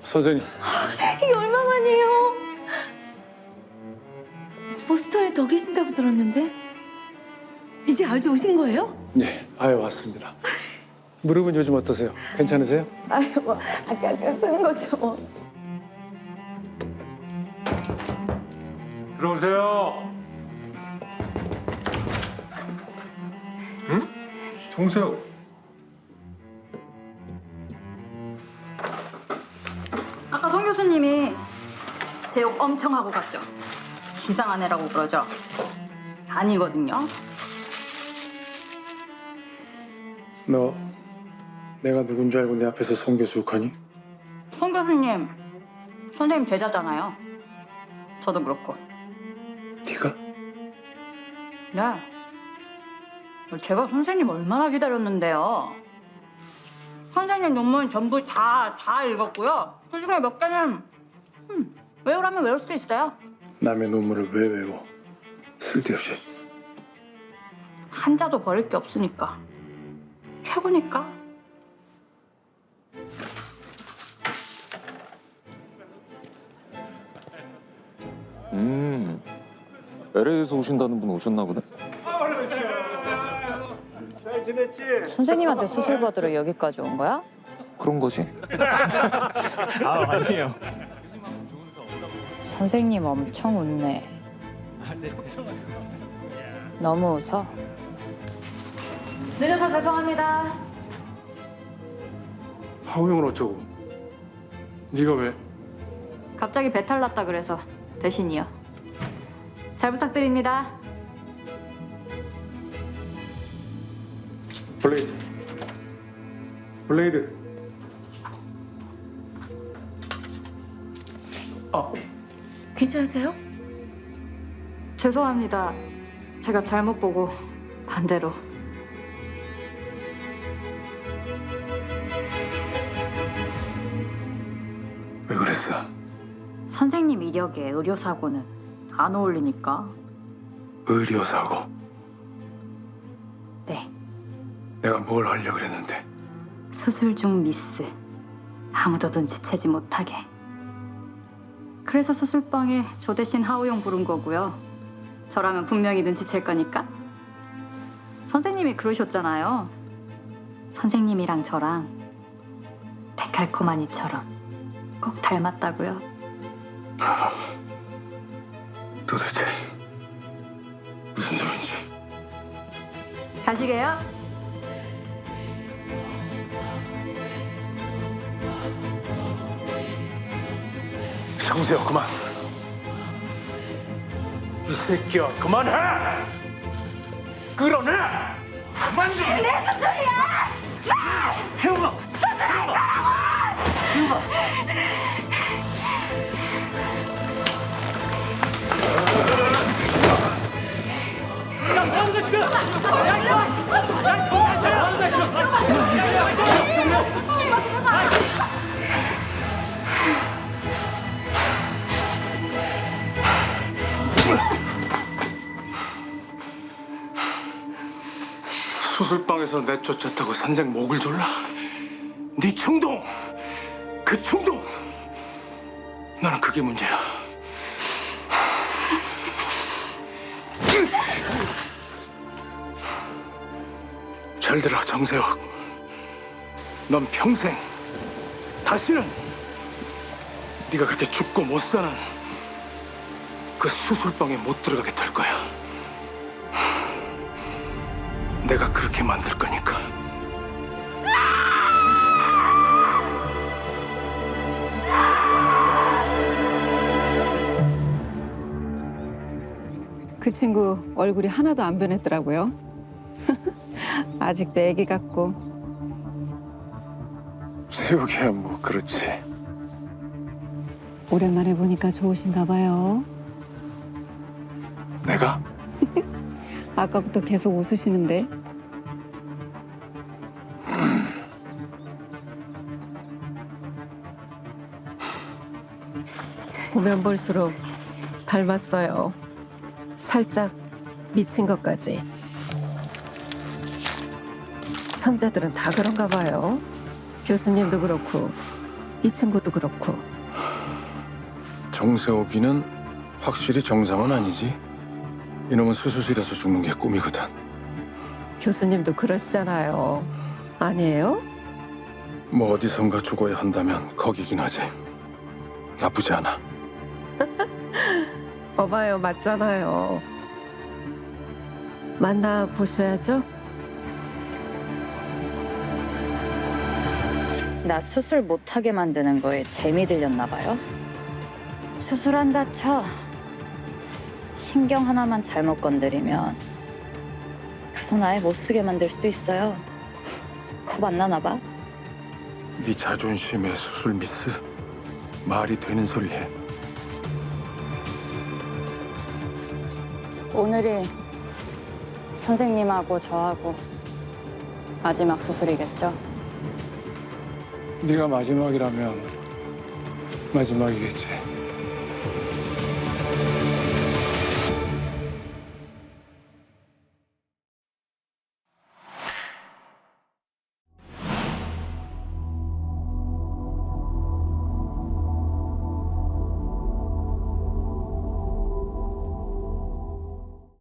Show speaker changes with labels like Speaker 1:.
Speaker 1: 선생님.
Speaker 2: 이게 얼마만이에요? 보스턴에 더 계신다고 들었는데 이제 아주 오신 거예요?
Speaker 1: 네, 아유 왔습니다. 무릎은 요즘 어떠세요? 괜찮으세요?
Speaker 2: 아유 뭐 아까 쓰는 거죠 뭐.
Speaker 1: 들어오세요. 응? 정세호.
Speaker 3: 아까 송 교수님이 제 욕 엄청 하고 갔죠? 이상한 애라고 그러죠? 아니거든요.
Speaker 1: 너 내가 누군 줄 알고 내 앞에서 송 교수 욕하니?
Speaker 3: 송 교수님, 선생님 제자잖아요. 저도 그렇고.
Speaker 1: 네가?
Speaker 3: 네. 제가 선생님 얼마나 기다렸는데요. 선생님 논문 전부 다 읽었고요. 그중에 몇 개는 외우라면 외울 수도 있어요.
Speaker 1: 남의 논문을 왜 외워? 쓸데없이.
Speaker 3: 한자도 버릴 게 없으니까. 최고니까.
Speaker 4: LA에서 오신다는 분 오셨나 보네.
Speaker 1: 잘 지냈지?
Speaker 3: 선생님한테 수술 받으러 여기까지 온 거야?
Speaker 4: 그런 거지.
Speaker 5: 아니에요.
Speaker 3: 선생님 엄청 웃네. 너무 웃어. 늦어서 죄송합니다.
Speaker 1: 하우영은 어쩌고? 네가 왜?
Speaker 3: 갑자기 배탈 났다 그래서 대신이요. 잘 부탁드립니다.
Speaker 1: 블레이드. 블레이드.
Speaker 2: 괜찮으세요?
Speaker 3: 죄송합니다. 제가 잘못 보고 반대로.
Speaker 1: 왜 그랬어?
Speaker 3: 선생님 이력에 의료사고는 안 어울리니까.
Speaker 1: 의료사고.
Speaker 3: 네.
Speaker 1: 내가 뭘 하려고 그랬는데.
Speaker 3: 수술 중 미스. 아무도 눈치채지 못하게. 그래서 수술방에 저 대신 하우용 부른 거고요. 저라면 분명히 눈치챌 거니까. 선생님이 그러셨잖아요. 선생님이랑 저랑 데칼코마니처럼 꼭 닮았다고요.
Speaker 1: 도대체 무슨 소린지.
Speaker 3: 가시게요.
Speaker 1: 정세호 그만. 이 새끼야 그만해. 끌어내. 그만 좀. 내 수술이야. 세호가. 수술방에서 내쫓았다고 선생 목을 졸라? 네 충동! 그 충동! 나는 그게 문제야. 잘 들어, 정세혁. 넌 평생 다시는 네가 그렇게 죽고 못 사는 그 수술방에 못 들어가게 될 거야. 내가 그렇게 만들 거니까.
Speaker 6: 그 친구 얼굴이 하나도 안 변했더라고요. 아직도 애기 같고.
Speaker 1: 세욱이야 뭐 그렇지.
Speaker 6: 오랜만에 보니까 좋으신가 봐요.
Speaker 1: 내가?
Speaker 6: 아까부터 계속 웃으시는데.
Speaker 7: 보면 볼수록 닮았어요. 살짝 미친 것까지. 천재들은 다 그런가 봐요. 교수님도 그렇고 이 친구도 그렇고.
Speaker 5: 정세옥이는 확실히 정상은 아니지. 이놈은 수술실에서 죽는 게 꿈이거든.
Speaker 7: 교수님도 그러시잖아요. 아니에요?
Speaker 5: 뭐 어디선가 죽어야 한다면 거기긴 하지. 나쁘지 않아.
Speaker 7: 거봐요, 맞잖아요. 만나 보셔야죠.
Speaker 8: 나 수술 못하게 만드는 거에 재미 들렸나 봐요. 수술한다 쳐. 신경 하나만 잘못 건드리면 그 손 아예 못 쓰게 만들 수도 있어요. 겁 안 나나 봐.
Speaker 5: 네 자존심에 수술 미스? 말이 되는 소리 해.
Speaker 8: 오늘이 선생님하고 저하고 마지막 수술이겠죠?
Speaker 1: 네가 마지막이라면 마지막이겠지.